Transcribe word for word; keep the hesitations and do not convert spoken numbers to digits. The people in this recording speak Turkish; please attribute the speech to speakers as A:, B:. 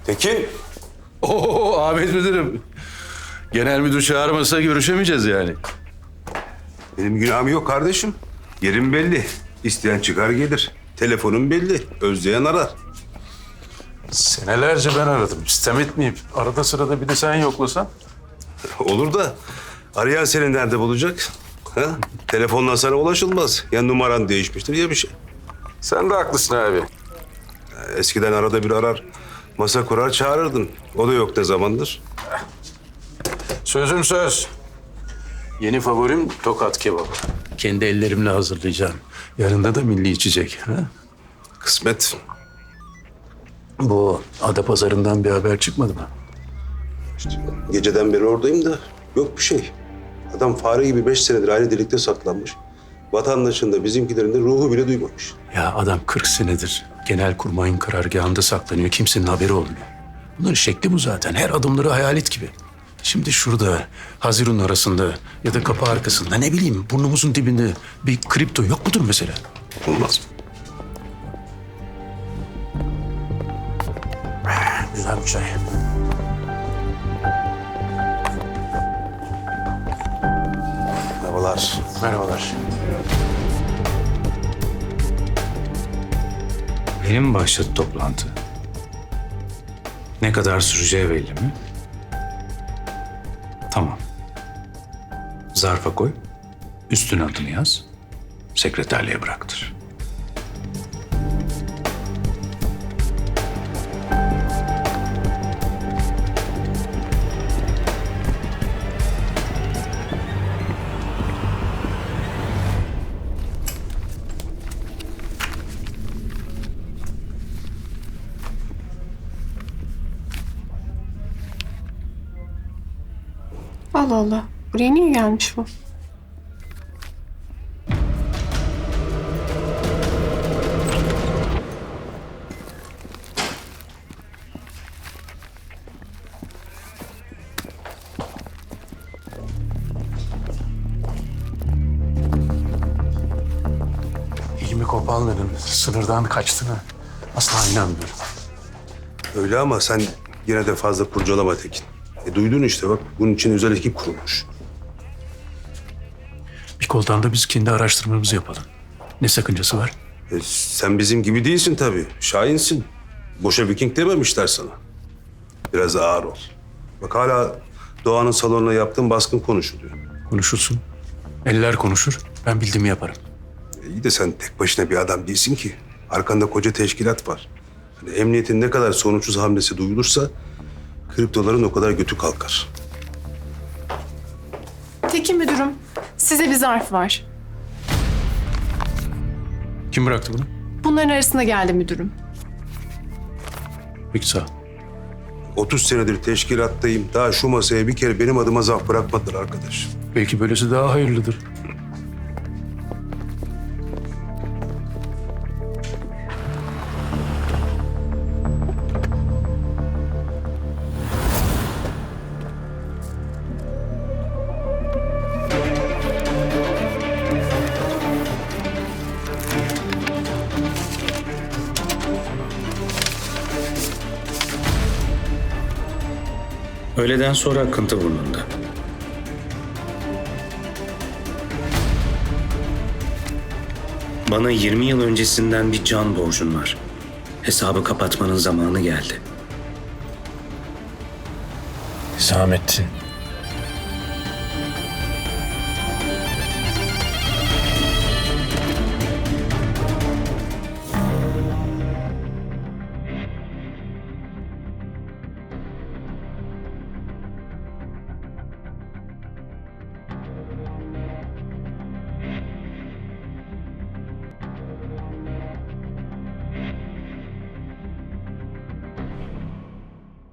A: Tekin.
B: Oo Ahmet Müdürüm. Genel müdür çağırmasa görüşemeyeceğiz yani.
A: Benim günahım yok kardeşim. Yerim belli. İsteyen çıkar gelir. Telefonum belli. Özleyen arar.
B: Senelerce ben aradım. İstem etmeyip arada sırada bir de sen yoklasan.
A: Olur da arayan seni nerede bulacak? Ha? Telefonla sana ulaşılmaz. Ya numaran değişmiştir ya bir şey.
B: Sen de haklısın abi.
A: Eskiden arada bir arar, masa kurar çağırırdın. O da yok ne zamandır.
B: Sözüm söz. Yeni favorim tokat kebabı. Kendi ellerimle hazırlayacağım. Yanında da milli içecek. Ha?
A: Kısmet.
B: Bu Adapazarı'ndan bir haber çıkmadı mı?
A: Geceden beri oradayım da yok bir şey. Adam fare gibi beş senedir aynı delikte saklanmış. Vatandaşın da bizimkilerin de ruhu bile duymamış.
B: Ya adam kırk senedir Genelkurmay'ın karargahında saklanıyor. Kimsenin haberi olmuyor. Bunların şekli bu zaten. Her adımları hayalet gibi. Şimdi şurada, Haziran arasında ya da kapı arkasında ne bileyim burnumuzun dibinde bir kripto yok mudur mesela?
A: Olmaz.
B: Güzel bir çay.
A: Merhabalar.
B: Merhabalar.
C: Yeni mi başladı toplantı? Ne kadar süreceği belli mi? Tamam. Zarfa koy, üstüne adını yaz, sekreterliğe bıraktır.
D: Allah Allah. Buraya niye gelmiş bu?
B: İlmi Kopallı'nın sınırdan kaçtığını asla inanmıyorum.
A: Öyle ama sen yine de fazla kurcalama Tekin. E, duydun işte bak bunun için özel ekip kurulmuş.
B: Bir koldan da biz kendi araştırmamızı yapalım. Ne sakıncası var?
A: E, sen bizim gibi değilsin tabii. Şahinsin. Boşa Viking dememişler sana. Biraz ağır ol. Bak hala Doğan'ın salonuna yaptığın baskın konuşuluyor.
B: Konuşulsun. Eller konuşur. Ben bildiğimi yaparım.
A: E, iyi de sen tek başına bir adam değilsin ki. Arkanda koca teşkilat var. Hani emniyetin ne kadar sonuçsuz hamlesi duyulursa kriptoların o kadar götü kalkar.
D: Tekin müdürüm, size bir zarf var.
B: Kim bıraktı bunu?
D: Bunların arasında geldi müdürüm.
B: Peki sağ ol.
A: otuz senedir teşkilattayım. Daha şu masaya bir kere benim adıma zarf bırakmadılar arkadaş.
B: Belki böylesi daha hayırlıdır.
C: Öğleden sonra akıntı burnunda. Bana yirmi yıl öncesinden bir can borcun var. Hesabı kapatmanın zamanı geldi.
B: Hüsamettin.